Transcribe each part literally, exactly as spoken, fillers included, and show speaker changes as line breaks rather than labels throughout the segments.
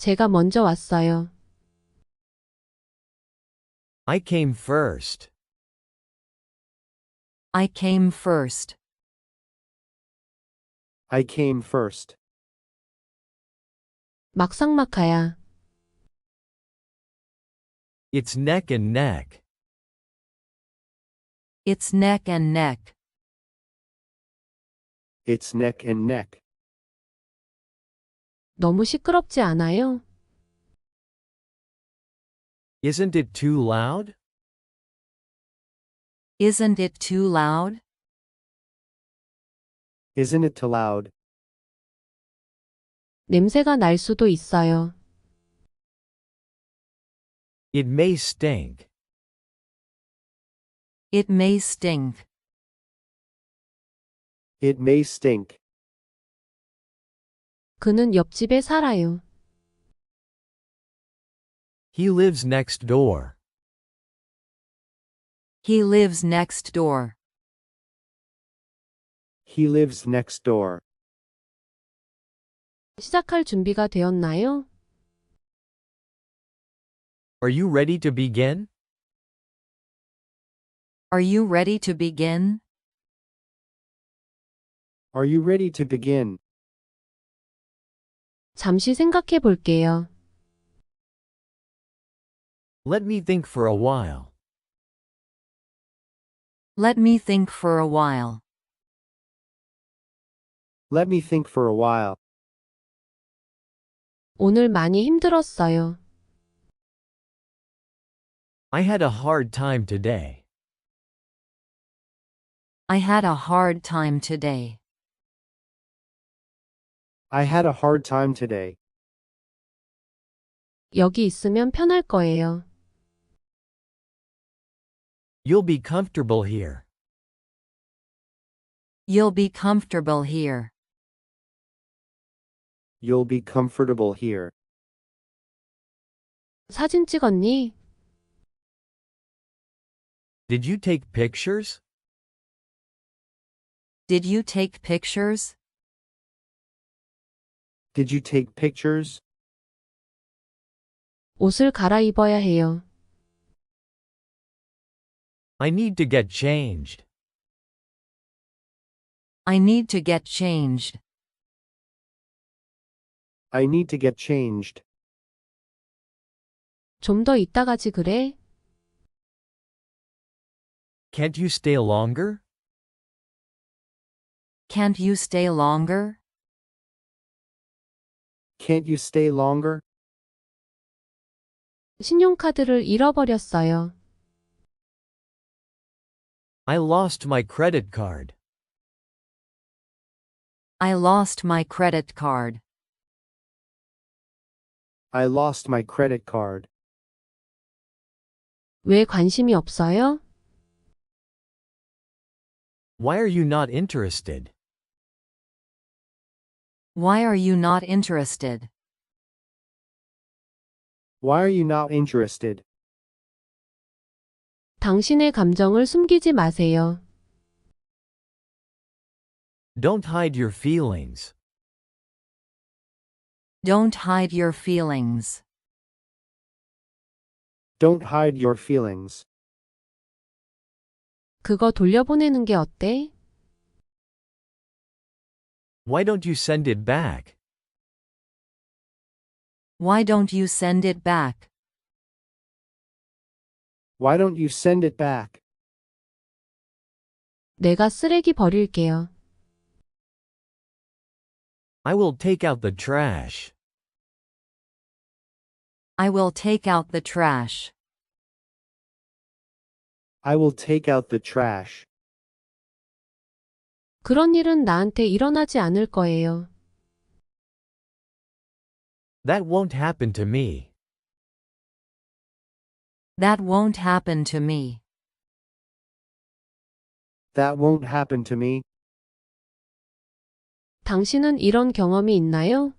제가 먼저 왔어요.
I came first.
I came first.
I came first.
막상막하야.
It's neck and neck.
It's neck and neck.
It's neck and neck.
너무 시끄럽지 않아요?
Isn't it too loud?
Isn't it too loud?
Isn't it too loud?
냄새가 날 수도 있어요.
It may stink.
It may stink.
It may stink.
그는 옆집에 살아요.
He lives next door.
He lives next door.
He lives next door.
시작할 준비가 되었나요?
Are you ready to begin?
Are you ready to begin?
Are you ready to begin?
잠시 생각해 볼게요.
Let me think for a while.
Let me think for a while.
Let me think for a while.
오늘 많이 힘들었어요.
I had a hard time today.
I had a hard time today.
I had a hard time today.
여기 있으면 편할 거예요.
You'll be comfortable here.
You'll be comfortable here.
You'll be comfortable here.
사진 찍었니?
Did you take pictures?
Did you take pictures?
Did you take pictures?
옷을 갈아입어야 해요.
I need to get changed.
I need to get changed.
I need to get changed.
좀 더 이따 가지 그래?
Can't you stay longer?
Can't you stay longer?
Can't you stay longer?
신용카드를 잃어버렸어요.
I lost my credit card.
I lost my credit card.
I lost my credit card.
왜 관심이 없어요?
Why are you not interested?
Why are you not interested?
Why are you not interested?
당신의 감정을 숨기지 마세요.
Don't hide your feelings.
Don't hide your feelings.
Don't hide your feelings.
그거 돌려보내는 게 어때?
Why don't you send it back?
Why don't you send it back?
Why don't you send it back?
내가 쓰레기 버릴게요.
I will take out the trash.
I will take out the trash.
I will take out the trash.
그런 일은 나한테 일어나지 않을 거예요.
That won't happen to me.
That won't happen to me.
That won't happen to me.
당신은 이런 경험이 있나요?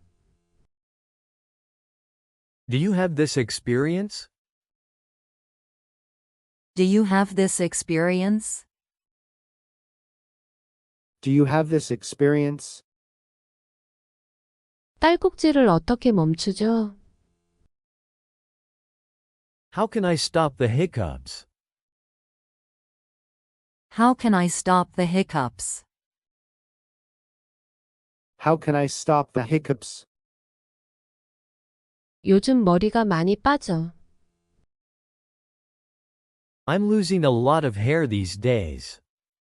Do you have this experience?
Do you have this experience?
Do you have this experience?
딸꾹질을 어떻게 멈추죠?
How can I stop the hiccups?
How can I stop the hiccups?
How can I stop the hiccups?
요즘 머리가 많이 빠져.
I'm losing a lot of hair these days.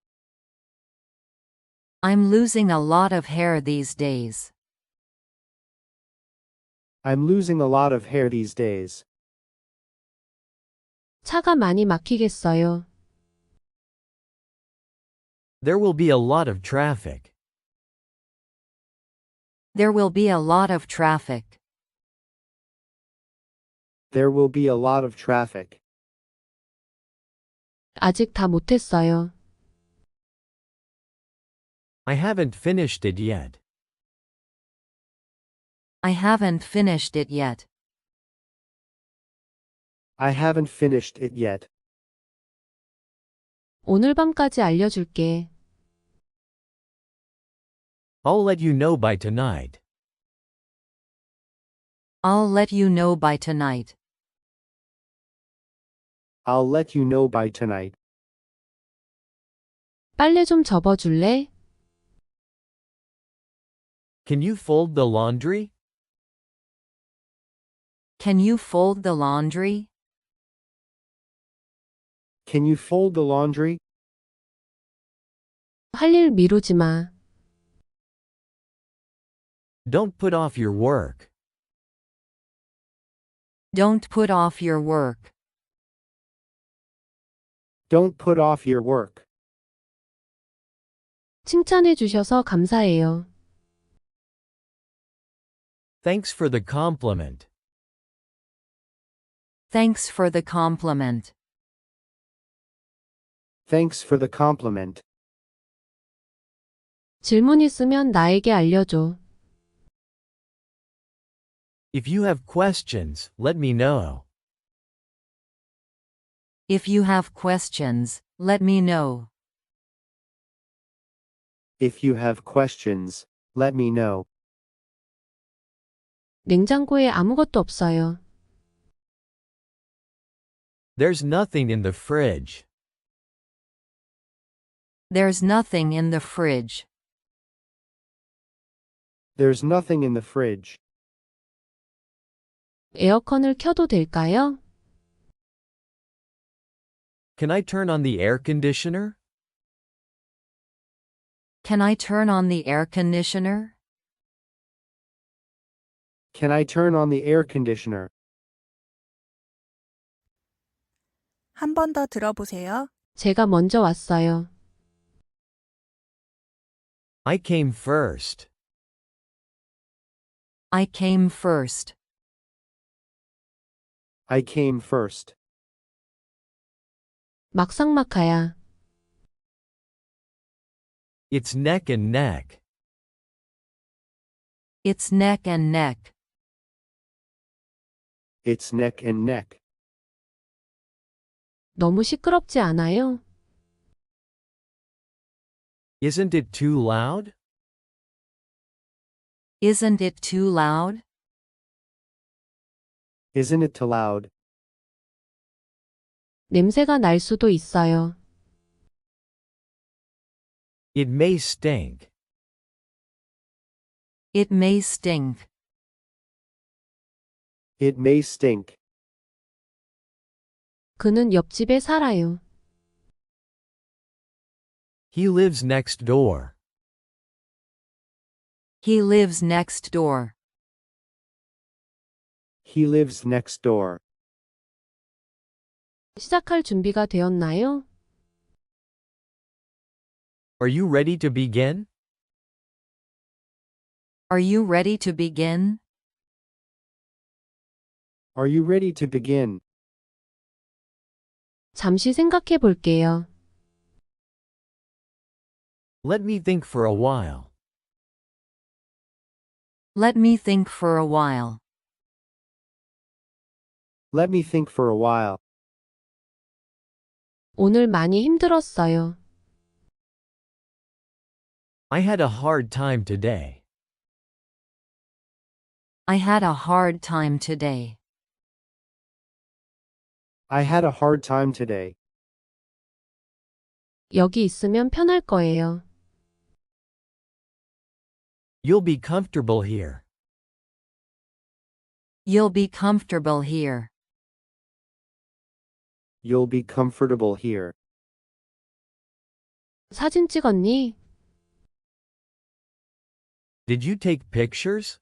I'm losing a lot of hair these days.
I'm losing a lot of hair these days.
차가 많이 막히겠어요.
There will be a lot of traffic.
There will be a lot of traffic.
There will be a lot of traffic.
아직 다 못했어요.
I haven't finished it yet.
I haven't finished it yet.
I haven't finished it yet.
오늘 밤까지 알려줄게.
I'll let you know by tonight.
I'll let you know by tonight.
I'll let you know by tonight.
빨래 좀 접어줄래?
Can you fold the laundry?
Can you fold the laundry?
Can you fold the laundry?
할 일 미루지 마.
Don't put off your work.
Don't put off your work.
Don't put off your work.
칭찬해 주셔서 감사해요.
Thanks for the compliment.
Thanks for the compliment.
Thanks for the compliment.
질문 있으면 나에게 알려줘.
If you have questions, let me know.
If you have questions, let me know.
If you have questions, let me know.
냉장고에 아무것도 없어요.
There's nothing in the fridge.
There's nothing in the fridge.
There's nothing in the fridge.
에어컨을 켜도 될까요?
Can I turn on the air conditioner?
Can I turn on the air conditioner?
Can I turn on the air conditioner?
한 번 더 들어보세요.
제가 먼저 왔어요.
I came first.
I came first.
I came first.
막상막하야.
It's neck and neck.
It's neck and neck.
It's neck and neck.
너무 시끄럽지 않아요?
Isn't it too loud?
Isn't it too loud?
Isn't it too loud?
냄새가 날 수도 있어요.
It may stink.
It may stink.
It may stink.
그는 옆집에 살아요.
He lives next door.
He lives next door.
He lives next door.
시작할 준비가 되었나요?
Are you ready to begin?
Are you ready to begin?
Are you ready to begin?
잠시 생각해 볼게요.
Let me think for a while.
Let me think for a while.
Let me think for a while.
오늘 많이 힘들었어요.
I had a hard time today.
I had a hard time today.
I had a hard time today.
여기 있으면 편할 거예요.
You'll be comfortable here.
You'll be comfortable here.
You'll be comfortable here.
사진 찍었니?
Did you take pictures?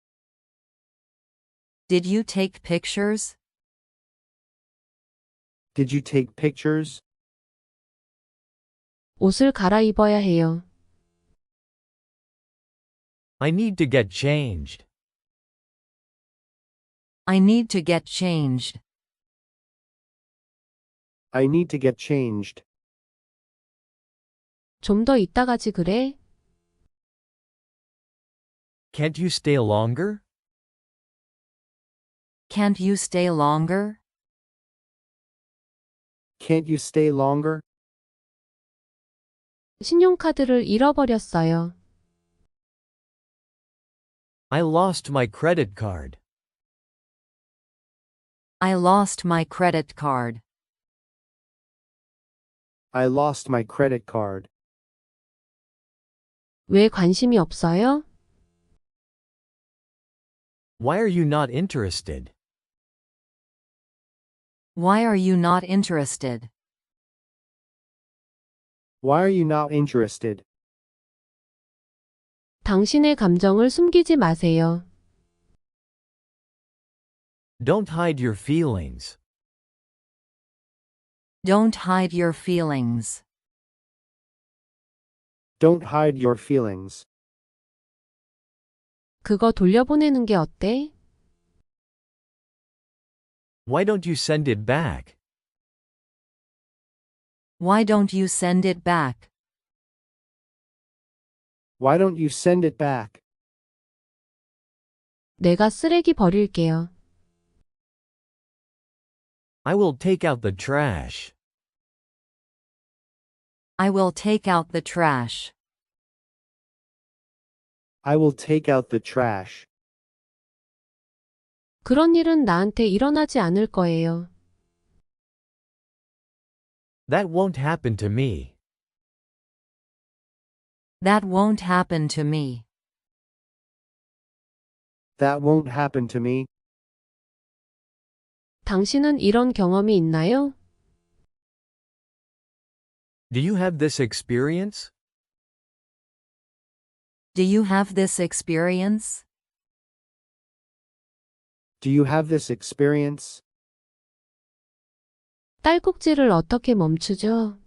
Did you take pictures?
Did you take pictures?
옷을 갈아입어야 해요.
I need to get changed.
I need to get changed.
I need to get changed.
좀 더 이따 가지 그래?
Can't you stay longer?
Can't you stay longer?
Can't you stay longer?
신용카드를 잃어버렸어요.
I lost my credit card.
I lost my credit card.
I lost my credit card.
왜 관심이 없어요?
Why are you not interested?
Why are you not interested?
Why are you not interested?
당신의 감정을 숨기지 마세요.
Don't hide your feelings.
Don't hide your feelings.
Don't hide your feelings.
그거 돌려보내는 게 어때?
Why don't you send it back?
Why don't you send it back?
Why don't you send it back?
내가 쓰레기 버릴게요.
I will take out the trash.
I will take out the trash.
I will take out the trash.
그런 일은 나한테 일어나지 않을 거예요.
That won't happen to me.
That won't happen to me.
That won't happen to me.
당신은 이런 경험이 있나요?
Do you have this experience?
Do you have this experience?
Do you have this experience?
딸꾹질을 어떻게 멈추죠?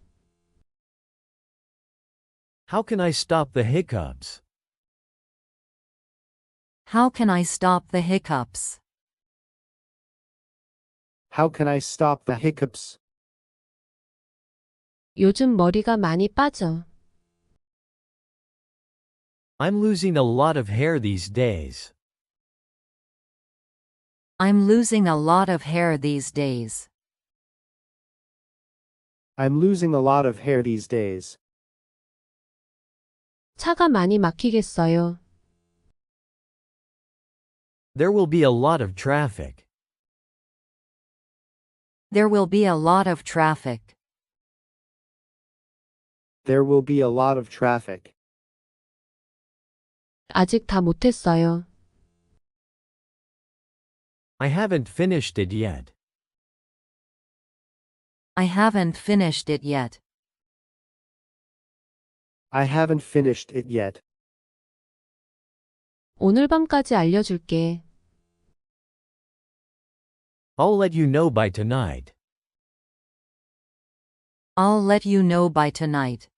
How can I stop the hiccups?
How can I stop the hiccups?
How can I stop the hiccups?
요즘 머리가 많이 빠져.
I'm losing a lot of hair these days.
I'm losing a lot of hair these days.
I'm losing a lot of hair these days.
차가 많이 막히겠어요.
There will be a lot of traffic.
There will be a lot of traffic.
There will be a lot of traffic.
아직 다 못했어요.
I haven't finished it yet.
I haven't finished it yet.
I haven't finished it yet.
오늘 밤까지 알려줄게.
I'll let you know by tonight.
I'll let you know by tonight.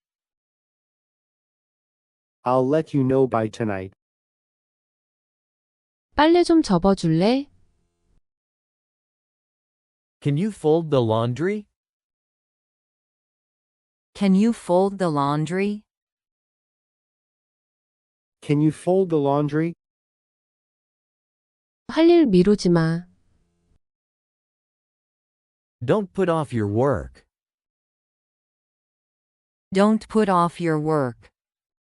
I'll let you know by tonight.
빨래 좀 접어줄래?
Can you fold the laundry?
Can you fold the laundry?
Can you fold the laundry?
할 일 미루지 마.
Don't put off your work.
Don't put off your work.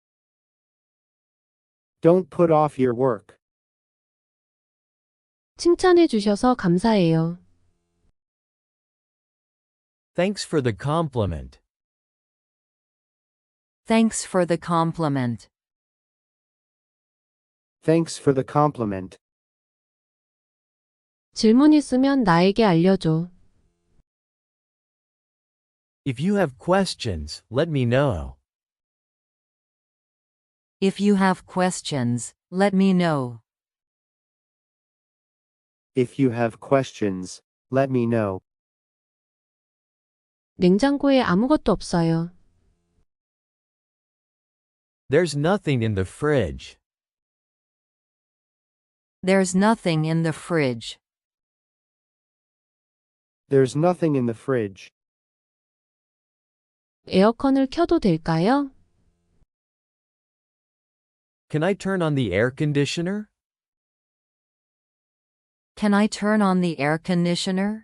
Don't put off your work.
칭찬해 주셔서 감사해요.
Thanks for the compliment.
Thanks for the compliment.
Thanks for the compliment.
질문 있으면 나에게 알려줘.
If you have questions, let me know.
If you have questions, let me know.
If you have questions, let me know.
냉장고에 아무것도 없어요.
There's nothing in the fridge.
There's nothing in the fridge.
There's nothing in the fridge.
에어컨을 켜도 될까요?
Can I turn on the air conditioner?
Can I turn on the air conditioner?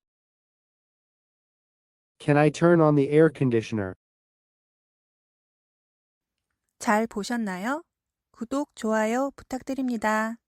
Can I turn on the air conditioner?
잘 보셨나요? 구독, 좋아요 부탁드립니다.